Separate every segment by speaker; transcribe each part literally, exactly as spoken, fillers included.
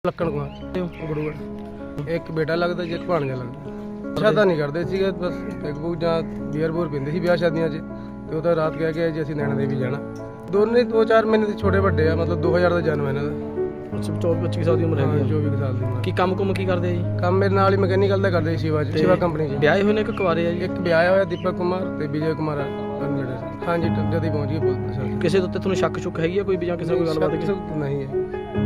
Speaker 1: ਲੱਕਣ ਕੁਮਾਰ ਗੁਰੂਗੜ੍ਹ ਇੱਕ ਬੇਟਾ ਲੱਗਦਾ ਜੇ ਭਾਣਜਾ ਲੱਗਦਾ। ਸ਼ਾਦਾ ਨਹੀਂ ਕਰਦੇ ਸੀਗੇ, ਬਸ ਇੱਕ ਬੂ ਜਾਂ ਬੀਅਰ ਬੂਰ ਪੀਂਦੇ ਸੀ ਵਿਆਹ ਸ਼ਾਦੀਆਂ 'ਚ, ਤੇ ਉਹ ਤਾਂ ਰਾਤ ਕਹਿ ਕੇ ਜੀ ਅਸੀਂ ਨੈਣਾ ਦੇਵੀ ਜਾਣਾ। ਦੋਨੇ ਦੋ ਚਾਰ ਮਹੀਨੇ ਦੇ ਛੋਟੇ ਵੱਡੇ ਆ, ਮਤਲਬ ਦੋ ਹਜ਼ਾਰ ਦਾ ਜਨਮ ਇਹਨਾਂ ਦਾ।
Speaker 2: ਅੱਛਾ, ਚੌਵੀ ਪੱਚੀ ਸਾਲ ਦੀ ਉਮਰ ਹੈਗੀ।
Speaker 1: ਚੌਵੀ ਸਾਲ ਦੀ ਉਮਰ।
Speaker 2: ਕੀ ਕੰਮ ਕੁਮ ਕੀ ਕਰਦੇ ਜੀ?
Speaker 1: ਕੰਮ ਮੇਰੇ ਨਾਲ ਹੀ ਮਕੈਨੀਕਲ ਦਾ ਕਰਦੇ ਸੀ ਸ਼ਿਵਾ 'ਚ, ਸ਼ਿਵਾ ਕੰਪਨੀ 'ਚ।
Speaker 2: ਵਿਆਹੇ ਹੋਏ ਨੇ ਕਿ ਕੁਆਰੇ ਆ ਜੀ?
Speaker 1: ਇੱਕ ਵਿਆਹਿਆ ਹੋਇਆ ਦੀਪਕ ਕੁਮਾਰ ਤੇ ਵਿਜੇ ਕੁਮਾਰ ਅਨਮੇਡ। ਹਾਂਜੀ, ਜਦ ਹੀ ਪਹੁੰਚ ਗਏ ਪੁਲਿਸ ਸਰ।
Speaker 2: ਕਿਸੇ ਦੇ ਉੱਤੇ ਤੁਹਾਨੂੰ ਸ਼ੱਕ ਸ਼ੁੱਕ ਹੈਗੀ ਆ ਕੋਈ ਵੀ, ਜਾਂ ਕਿਸੇ ਨਾਲ ਕੋਈ ਗੱਲਬਾਤ ਹੈਗੀ?
Speaker 1: ਨਹੀਂ ਹੈ।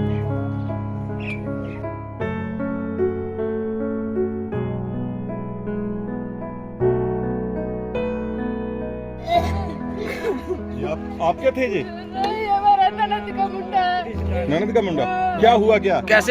Speaker 3: आप, आप क्या थे जी?
Speaker 4: नहीं, हमारा ननद का मुंडा है।
Speaker 3: ननद का मुंडा? क्या हुआ क्या?
Speaker 2: कैसे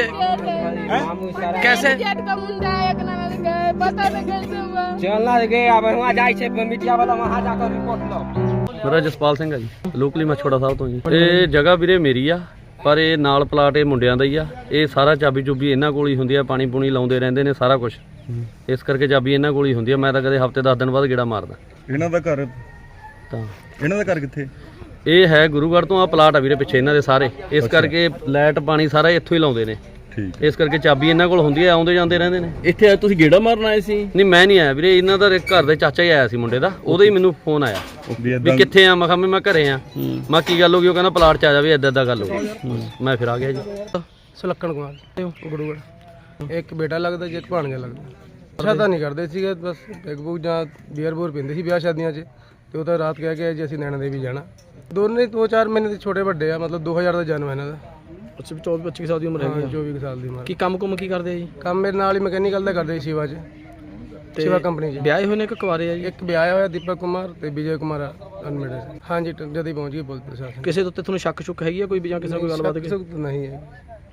Speaker 2: कैसे
Speaker 4: जेठ का मुंडा है, एक ननद का है, पता नहीं कैसे हुआ।
Speaker 5: चलना गए अब वहाँ जाए छे मीडिया वाला वहाँ जाकर रिपोर्ट लो।
Speaker 6: ਮੇਰਾ ਜਸਪਾਲ ਸਿੰਘ ਆ ਜੀ, ਲੋਕਲੀ ਮਛੋੜਾ ਸਾਹਿਬ ਤੋਂ ਜੀ। ਇਹ ਜਗ੍ਹਾ ਵੀਰੇ ਮੇਰੀ ਆ, ਪਰ ਇਹ ਨਾਲ ਪਲਾਟ ਇਹ ਮੁੰਡਿਆਂ ਦਾ ਹੀ ਆ। ਇਹ ਸਾਰਾ ਚਾਬੀ ਚੁਬੀ ਇਹਨਾਂ ਕੋਲ ਹੀ ਹੁੰਦੀ ਆ, ਪਾਣੀ ਪੂਣੀ ਲਾਉਂਦੇ ਰਹਿੰਦੇ ਨੇ ਸਾਰਾ ਕੁਝ, ਇਸ ਕਰਕੇ ਚਾਬੀ ਇਹਨਾਂ ਕੋਲ ਹੀ ਹੁੰਦੀ ਆ। ਮੈਂ ਤਾਂ ਕਦੇ ਹਫਤੇ ਦਸ ਦਿਨ ਬਾਅਦ ਗੇੜਾ ਮਾਰਦਾ।
Speaker 3: ਇਹਨਾਂ ਦਾ ਘਰ
Speaker 6: ਤਾਂ
Speaker 3: ਇਹਨਾਂ ਦਾ ਘਰ ਕਿੱਥੇ?
Speaker 6: ਇਹ ਹੈ ਗੁਰੂਗੜ੍ਹ ਤੋਂ, ਆ ਪਲਾਟ ਆ ਵੀਰੇ ਪਿੱਛੇ ਇਹਨਾਂ ਦੇ ਸਾਰੇ, ਇਸ ਕਰਕੇ ਲਾਈਟ ਪਾਣੀ ਸਾਰਾ ਇੱਥੋਂ ਹੀ ਲਾਉਂਦੇ ਨੇ।
Speaker 3: ਠੀਕ।
Speaker 6: ਇਸ ਕਰਕੇ ਚਾਬੀ ਇਹਨਾਂ ਕੋਲ ਹੁੰਦੀ ਆ, ਆਉਂਦੇ ਜਾਂਦੇ ਰਹਿੰਦੇ ਨੇ।
Speaker 2: ਇੱਥੇ ਤੁਸੀਂ ਗੇੜਾ ਮਾਰਨ ਆਏ ਸੀ?
Speaker 6: ਨਹੀਂ, ਮੈਂ ਨਹੀਂ ਆਇਆ ਵੀਰੇ, ਇਹਨਾਂ ਦਾ ਘਰ ਦੇ ਚਾਚਾ ਹੀ ਆਇਆ ਸੀ ਮੁੰਡੇ ਦਾ, ਉਹਦਾ ਹੀ ਮੈਨੂੰ ਫੋਨ ਆਇਆ ਵੀ ਕਿੱਥੇ ਆ। ਮੈਂ ਕਿਹਾ ਮੈਂ ਘਰੇ ਆ। ਮੈਂ ਕੀ ਗੱਲ ਹੋ ਗਈ? ਉਹ ਕਹਿੰਦਾ ਪਲਾਟ 'ਚ ਆ ਜਾਵੇ, ਇੱਦਾਂ ਇੱਦਾਂ ਗੱਲ ਹੋ ਗਈ। ਮੈਂ ਫਿਰ ਆ ਗਿਆ ਜੀ।
Speaker 1: ਸੁਲੱਕਣ ਕੁਮਾਰ ਗੁਰੂਗੜ੍ਹ ਇੱਕ ਬੇਟਾ ਲੱਗਦਾ ਜੇ ਭਾਣਜਾ ਲੱਗਦਾ। ਸ਼ਾਦਾ ਨਹੀਂ ਕਰਦੇ ਸੀਗੇ, ਬਸ ਇੱਕ ਬੂ ਜਾਂ ਬੀਅਰ ਬੂਰ ਪੀਂਦੇ ਸੀ ਵਿਆਹ ਸ਼ਾਦੀਆਂ 'ਚ, ਤੇ ਉਹ ਤਾਂ ਰਾਤ ਕਹਿ ਕੇ ਜੀ ਅਸੀਂ ਨੈਣਾ ਦੇਵੀ ਜਾਣਾ। ਦੋਨੇ ਦੋ ਚਾਰ ਮਹੀਨੇ ਦੇ ਛੋਟੇ ਵੱਡੇ ਆ, ਮਤਲਬ ਦੋ ਹਜ਼ਾਰ ਦਾ ਜਨਮ ਇਹਨਾਂ ਦਾ।
Speaker 2: ਅੱਛਾ, ਚੌਵੀ ਪੱਚੀ ਸਾਲ ਦੀ ਉਮਰ ਹੈਗੀ।
Speaker 1: ਚੌਵੀ ਸਾਲ ਦੀ ਉਮਰ।
Speaker 2: ਕੀ ਕੰਮ ਕੁਮ ਕੀ ਕਰਦੇ ਆ ਜੀ?
Speaker 1: ਕੰਮ ਮੇਰੇ ਨਾਲ ਹੀ ਮਕੈਨੀਕਲ ਦਾ ਕਰਦੇ ਸੀ ਸ਼ਿਵਾ 'ਚ, ਸ਼ਿਵਾ ਕੰਪਨੀ 'ਚ।
Speaker 2: ਵਿਆਹੇ ਹੋਏ ਨੇ ਕਿ ਕੁਆਰੇ ਆ ਜੀ?
Speaker 1: ਇੱਕ ਵਿਆਹਿਆ ਹੋਇਆ ਦੀਪਕ ਕੁਮਾਰ ਤੇ ਵਿਜੇ ਕੁਮਾਰ ਅਨਮੇਡ। ਹਾਂਜੀ, ਜਦ ਹੀ ਪਹੁੰਚ ਗਏ ਪੁਲਿਸ ਪ੍ਰਸ਼ਾਸਨ।
Speaker 2: ਕਿਸੇ ਦੇ ਉੱਤੇ ਤੁਹਾਨੂੰ ਸ਼ੱਕ ਸ਼ੁੱਕ ਹੈਗੀ ਆ ਕੋਈ ਵੀ, ਜਾਂ ਕਿਸੇ ਨਾਲ ਕੋਈ ਗੱਲਬਾਤ ਹੈਗੀ?
Speaker 1: ਨਹੀਂ ਹੈ।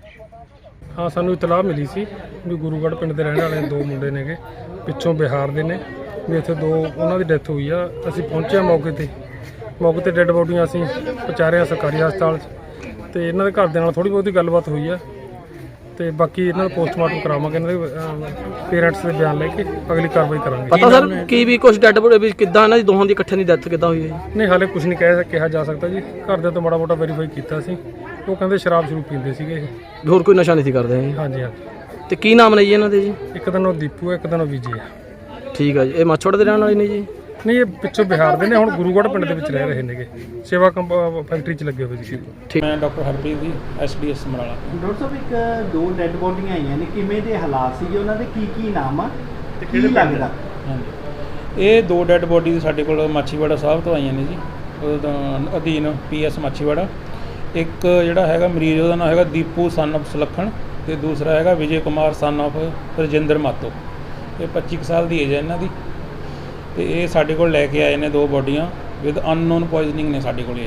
Speaker 7: ਹਾਂ, ਸਾਨੂੰ ਇਤਲਾਹ ਮਿਲੀ ਸੀ ਵੀ ਗੁਰੂਗੜ੍ਹ ਪਿੰਡ ਦੇ ਰਹਿਣ ਵਾਲੇ ਦੋ ਮੁੰਡੇ ਨੇਗੇ, ਪਿੱਛੋਂ ਬਿਹਾਰ ਦੇ ਨੇ, ਵੀ ਇੱਥੇ ਦੋ ਉਹਨਾਂ ਦੀ ਡੈਥ ਹੋਈ ਆ। ਅਸੀਂ ਪਹੁੰਚੇ ਮੌਕੇ ਤੇ ਮੌਕੇ ਤੇ ਡੈੱਡ ਬੋਡੀਆਂ ਅਸੀਂ ਪਹੁੰਚਾਰਿਆ ਸਰਕਾਰੀ ਹਸਪਤਾਲ 'ਚ, ਤੇ ਇਹਨਾਂ ਦੇ ਘਰ ਦੇ ਨਾਲ ਥੋੜ੍ਹੀ ਬਹੁਤੀ ਗੱਲਬਾਤ ਹੋਈ ਆ, ਤੇ ਬਾਕੀ ਇਹਨਾਂ ਦਾ ਪੋਸਟਮਾਰਟਮ ਕਰਾਵਾਂਗੇ। ਇਹਨਾਂ ਦੇ ਪੇਰੈਂਟਸ ਦੇ ਬਿਆਨ ਲੈ ਕੇ ਅਗਲੀ ਕਾਰਵਾਈ ਕਰਾਂਗੇ।
Speaker 2: ਪਤਾ ਸਰ ਕੀ ਵੀ ਕੁਝ ਡੈਡ ਬੋਡੀ ਵੀ ਕਿੱਦਾਂ ਇਹਨਾਂ ਦੀ ਦੋਹਾਂ ਦੀ ਇਕੱਠੇ ਦੀ ਡੈਥ ਕਿੱਦਾਂ ਹੋਈ ਹੈ?
Speaker 7: ਨਹੀਂ, ਹਾਲੇ ਕੁਝ ਨਹੀਂ ਕਹਿ ਕਿਹਾ ਜਾ ਸਕਦਾ ਜੀ। ਘਰਦਿਆਂ ਤੋਂ ਮਾੜਾ ਮੋਟਾ ਵੈਰੀਫਾਈ ਕੀਤਾ ਸੀ, ਉਹ ਕਹਿੰਦੇ ਸ਼ਰਾਬ ਸ਼ੁਰੂ ਪੀਂਦੇ ਸੀਗੇ ਇਹ।
Speaker 2: ਹੋਰ ਕੋਈ ਨਸ਼ਾ ਨਹੀਂ ਸੀ ਕਰਦੇ ਜੀ?
Speaker 7: ਹਾਂਜੀ ਹਾਂਜੀ।
Speaker 2: ਤੇ ਕੀ ਨਾਮ ਨੇ ਜੀ ਇਹਨਾਂ ਦੇ ਜੀ?
Speaker 7: ਇੱਕ ਦਿਨ ਉਹ ਦੀਪੂ ਹੈ, ਇੱਕ ਦਿਨ ਉਹ ਵਿਜੇ ਹੈ।
Speaker 2: ਠੀਕ ਆ ਜੀ। ਇਹ ਮੱਛੋੜ ਦੇ ਰਹਿਣ ਵਾਲੇ ਨੇ ਜੀ?
Speaker 7: ਨਹੀਂ, ਇਹ ਪਿੱਛੋਂ ਬਿਹਾਰ ਦੇ ਨੇ, ਹੁਣ ਗੁਰੂਗੜ੍ਹ ਪਿੰਡ ਦੇ ਵਿੱਚ ਰਹਿ ਰਹੇ ਨੇਗੇ, ਸੇਵਾ ਕੰਪ ਫੈਕਟਰੀ 'ਚ ਲੱਗੇ ਹੋਏ ਸੀ।
Speaker 2: ਠੀਕ।
Speaker 8: ਮੈਂ doctor Harpreet ji, S D S Samrala.
Speaker 9: Doctor ਸਾਹਿਬ, ਇੱਕ ਦੋ ਡੈੱਡ ਬੋਡੀਆਂ ਆਈਆਂ ਨੇ, ਕਿਵੇਂ ਦੇ ਹਾਲਾਤ ਸੀਗੇ ਉਹਨਾਂ ਦੇ, ਕੀ ਕੀ ਨਾਮ ਆ ਤੇ ਕੀ ਲੱਗਦਾ?
Speaker 8: ਹਾਂਜੀ, ਇਹ ਦੋ ਡੈੱਡ ਬੋਡੀ ਸਾਡੇ ਕੋਲ ਮਾਛੀਵਾੜਾ ਸਾਹਿਬ ਤੋਂ ਆਈਆਂ ਨੇ ਜੀ, ਉਹਦਾ ਅਧੀਨ ਪੀ ਐਸ ਮਾਛੀਵਾੜਾ। ਇੱਕ ਜਿਹੜਾ ਹੈਗਾ ਮਰੀਜ਼, ਉਹਦਾ ਨਾਮ ਹੈਗਾ ਦੀਪੂ ਸਨ ਆਫ ਸੁਲੱਖਣ, ਤੇ ਦੂਸਰਾ ਹੈਗਾ ਵਿਜੇ ਕੁਮਾਰ ਸਨ ਆਫ ਰਜਿੰਦਰ ਮਾਤੋ। ਇਹ ਪੱਚੀ ਕੁ ਸਾਲ ਦੀ ਏਜ ਹੈ ਇਹਨਾਂ ਦੀ, ਤੇ ਇਹ ਸਾਡੇ ਕੋਲ ਲੈ ਕੇ ਆਏ ਨੇ ਦੋ ਬੋਡੀਆਂ ਵਿਦ ਅਨਨੋਨ ਪੋਇਜ਼ਨਿੰਗ ਨੇ ਸਾਡੇ ਕੋਲ ਇਹ।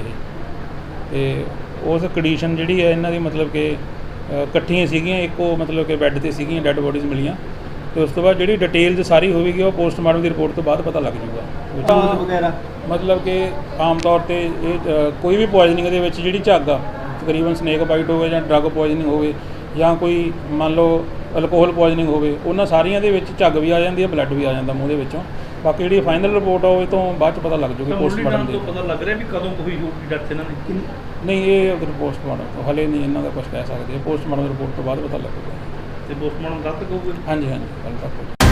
Speaker 8: ਤੇ ਉਸ ਕੰਡੀਸ਼ਨ ਜਿਹੜੀ ਹੈ ਇਹਨਾਂ ਦੀ, ਮਤਲਬ ਕਿ ਇਕੱਠੀਆਂ ਸੀਗੀਆਂ, ਇੱਕੋ ਮਤਲਬ ਕਿ ਬੈੱਡ 'ਤੇ ਸੀਗੀਆਂ, ਡੈੱਡ ਬੋਡੀਜ਼ ਮਿਲੀਆਂ। ਤੇ ਉਸ ਤੋਂ ਬਾਅਦ ਜਿਹੜੀ ਡਿਟੇਲਸ ਸਾਰੀ ਹੋਵੇਗੀ ਉਹ ਪੋਸਟਮਾਰਟਮ ਦੀ ਰਿਪੋਰਟ ਤੋਂ ਬਾਅਦ ਪਤਾ ਲੱਗ ਜੂਗਾ।
Speaker 9: ਵਗੈਰਾ
Speaker 8: ਮਤਲਬ ਕਿ ਆਮ ਤੌਰ 'ਤੇ ਇਹ ਕੋਈ ਵੀ ਪੋਇਜ਼ਨਿੰਗ ਦੇ ਵਿੱਚ ਜਿਹੜੀ ਝੱਗ ਆ, ਤਕਰੀਬਨ ਸਨੇਕ ਬਾਈਟ ਹੋਵੇ ਜਾਂ ਡਰੱਗ ਪੋਇਜ਼ਨਿੰਗ ਹੋਵੇ ਜਾਂ ਕੋਈ ਮੰਨ ਲਓ ਅਲਕੋਹਲ ਪੋਇਜ਼ਨਿੰਗ ਹੋਵੇ, ਉਹਨਾਂ ਸਾਰੀਆਂ ਦੇ ਵਿੱਚ ਝੱਗ ਵੀ ਆ ਜਾਂਦੀ ਹੈ, ਬਲੱਡ ਵੀ ਆ ਜਾਂਦਾ ਮੂੰਹ ਦੇ ਵਿੱਚੋਂ। ਬਾਕੀ ਜਿਹੜੀ ਫਾਈਨਲ ਰਿਪੋਰਟ ਆ ਉਹ ਤੋਂ ਬਾਅਦ 'ਚ ਪਤਾ ਲੱਗ ਜੂਗੀ ਪੋਸਟਮਾਰਟਮ ਦੀ।
Speaker 6: ਪਤਾ ਲੱਗ ਰਿਹਾ ਵੀ ਕਦੋਂ ਹੋਈ ਹੋਊਗੀ ਡੈਥ ਇਹਨਾਂ ਦੀ?
Speaker 8: ਨਹੀਂ, ਇਹ ਅਗਰ ਪੋਸਟਮਾਰਟਮ ਹਲੇ ਨਹੀਂ ਇਹਨਾਂ ਦਾ ਕੁਝ ਕਹਿ ਸਕਦੇ, ਪੋਸਟਮਾਰਟਮ ਰਿਪੋਰਟ ਤੋਂ ਬਾਅਦ ਪਤਾ ਲੱਗੂਗਾ।
Speaker 6: ਤੇ ਪੋਸਟਮਾਰਟਮ ਕੱਲ੍ਹ ਤੱਕ ਹੋਊਗਾ?
Speaker 8: ਹਾਂਜੀ ਹਾਂਜੀ, ਕੱਲ੍ਹ ਤੱਕ।